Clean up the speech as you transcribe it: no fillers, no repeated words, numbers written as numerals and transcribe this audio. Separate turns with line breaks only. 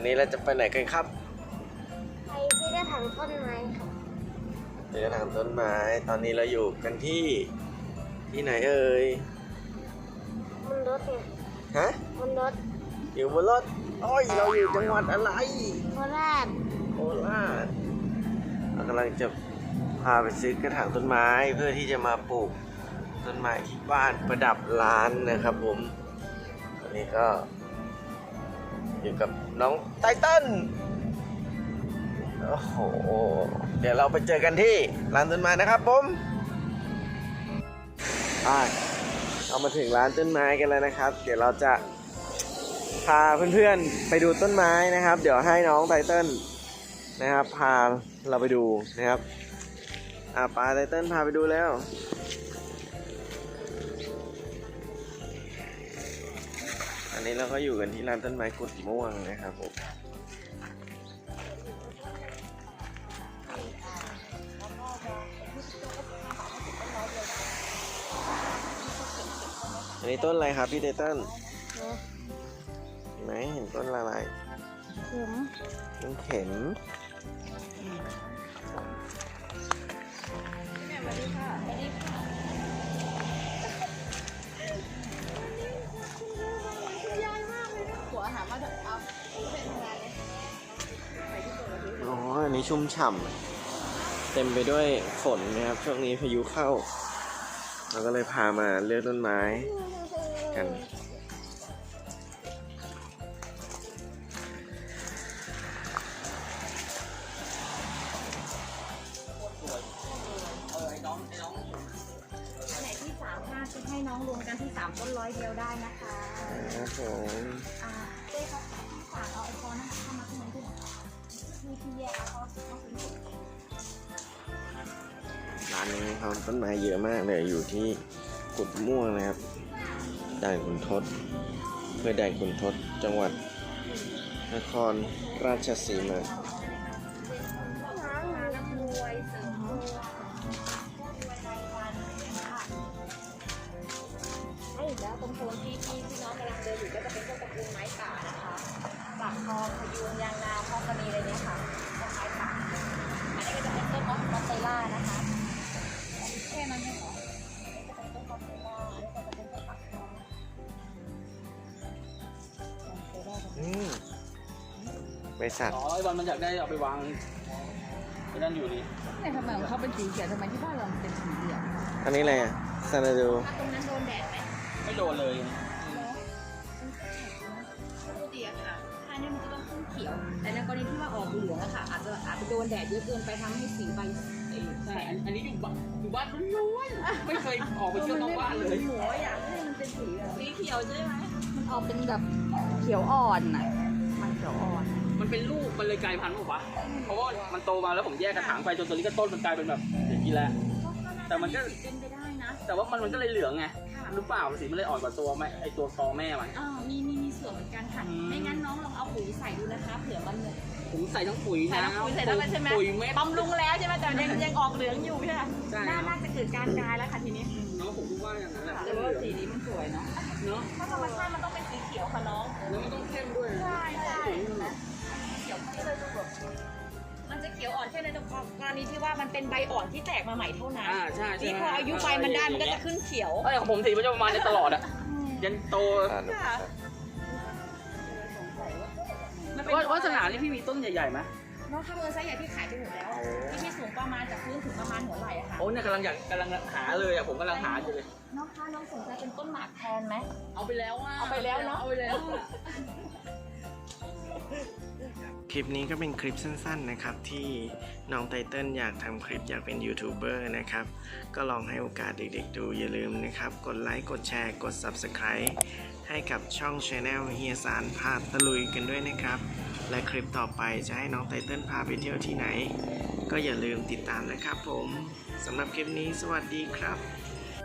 นี้เราจะไปไหนกันครับ
ไปที่กระถางต้นไม้ค่ะ
ไปกระถางต้นไม้ตอนนี้เราอยู่กันที่ไหนเอ่ย
บนรถไง
ฮะ
บนรถ
อยู่บนรถโอ้ยเราอยู่จังหวัดอะไร
โคราช
โคราชเรากำลังจะพาไปซื้อกระถางต้นไม้เพื่อที่จะมาปลูกต้นไม้ที่บ้านประดับร้านนะครับผมวันนี้ก็อยู่กับน้องไตเติ้ลโอ้โหเดี๋ยวเราไปเจอกันที่ร้านต้นไม้นะครับผมเรามาถึงร้านต้นไม้กันแล้วนะครับเดี๋ยวเราจะพาเพื่อนๆไปดูต้นไม้นะครับเดี๋ยวให้น้องไตเติ้ลนะครับพาเราไปดูนะครับปาไตเติ้ลพาไปดูแล้วอันนี้เราก็อยู่กันที่ร้านต้นไม้กุดม่วงนะครับผมอันนี้ต้นอะไรครับพี่ไตเติ้ลเห็นไหมเห็นต้นอะไรต้นเข็มอ๋ออันนี้ชุ่มฉ่ำเต็มไปด้วยฝนนะครับช่วงนี้พายุเข้าเราก็เลยพามาเลือกต้นไม้กัน
ไหนที่3-5จะให้น้องรวมกันที่3ต้น100เดียวได้นะคะ
ครับผม
เจ๊ครับที่ฝากเอาไอโฟนนะคะเข้ามาที่ไหนด้วยที่แยกเขาเป็น
ร้านนี้เขาต้นไม้เยอะมากเลยอยู่ที่กุดม่วงนะครับด่านขุนทดอำเภอด่านขุนทดจังหวัดนครราชสีมา
แล้วตรงโซนที่พี่น้องกำลังเดินอยู่ก็จะเป็นพวกตระกูลไม้ป่านะคะปากคอพยูงยางนาพอกระนีอะไรเนี่ยค่ะพวกไม้ป่าอันนี้ก็จะเป็นต้นมอสเตล่านะคะแค่นั้นไม่พอจะเป็นต้นมอสเตล่าอันนี้ก็จะเป็นต้นปากค
อบริษัท
ไอ้วันมันอยากได้เอาไปวางที่นั่นอยู่นี่
ทำไมของเขาเป็นสีเขียวทำไมที่บ้านเราเป็นสีเหลือง
อันนี้อะไรซานาดู
ตรงนั้นโดนแดดไหม
ไม่โดนเลย
ปกติอะค่ะถ้าเนี่ยมันจะต้องขึ้นเขียวแต่ในกรณีที่ว่าออกเหลืองอะค่ะอาจจะโดนแดดเยอะเกินไปทำให้สีใบ
ใช่อันนี้อยู่บ้านล้วนๆไม่เคยออกไปเที่ยวนอกบ้านเลย
หัวอยากให้มันเป็นสีเขียวใช่ไหมมันออกเป็นแบบเขียวอ่อนน่ะมันเขียวอ่อน
มันเป็นลูกมันเลยกลายพันธุ์หรือเปล่าเพราะว่ามันโตมาแล้วผมแยกกระถางไปจนตัวนี้ก็ต้นมันกลายเป็นแบบอย่างนี้แล้วแต่มันก็
เป็นไปได้นะ
แต่ว่ามันก็เลยเหลืองไงหรือเปล่าสีมันเลยอ่อนกว่าตัวแม่ไอตัวคอแม่มัน
มีส่วนเหมือนกันค่ะไม่งั้นน้องลองเอาปุ๋ยใส่ดูนะคะเผื่อมันเนี่ย
ผมใส่ทั้งปุ๋ยนะ
ปุ๋ยใส่แล้วใช่ไหม
ปุ๋ยเม็ด
บำรุงแล้วใช่ไหมแต่ยังออกเหลืองอยู่ใช่ไหมน่าจะเกิดการกลายแล้วค่ะทีนี้
น้องผมคิดว่าอย่างนั้นแหละ
แต่ว่าสีนี้มันสวยเนาะเพราะธรรมชาติมันต้องเป็นสีเขียวค่ะน้อง
แล้วมันต้องเข้มด้วย
ใช่เขียวเข้มเลยแบบมันจะเขียวอ่อนแค่ในกรณีที่ว่ามันเป็นใบอ่อนที่แตกมาใหม่เท่านั้น
ใช่
ที่พออายุใบมันได้มันก็จะขึ้นเขียว
ของผมสีมันจะประมาณนี้ตลอดอะยันโตวัฒนาที่พี่มีต้นใหญ่ๆไหม
น้องถ้าเป็นไซส์ใหญ่พี่ขายไปหมดแล้วที่สูงประมาณจากพื้นถึงประมาณหัวไหล่อะค่ะ
โอ้เนี่ยกำลังหาเลยอะผมกำลังหาอยู่เลย
น้องสนใจเป็นต้นหมากแทนไหม
เอาไปแล้วเนาะ
เอาไปแล้ว
คลิปนี้ก็เป็นคลิปสั้นๆนะครับที่น้องไตเติ้ลอยากทำคลิปอยากเป็นยูทูบเบอร์นะครับก็ลองให้โอกาสเด็กๆดูอย่าลืมนะครับกดไลค์กดแชร์กด Subscribe ให้กับช่อง Channel เฮียสารพาตะลุยกันด้วยนะครับและคลิปต่อไปจะให้น้องไตเติ้ลพาไปเที่ยวที่ไหนก็อย่าลืมติดตามนะครับผมสำหรับคลิปนี้สวัสดีครับ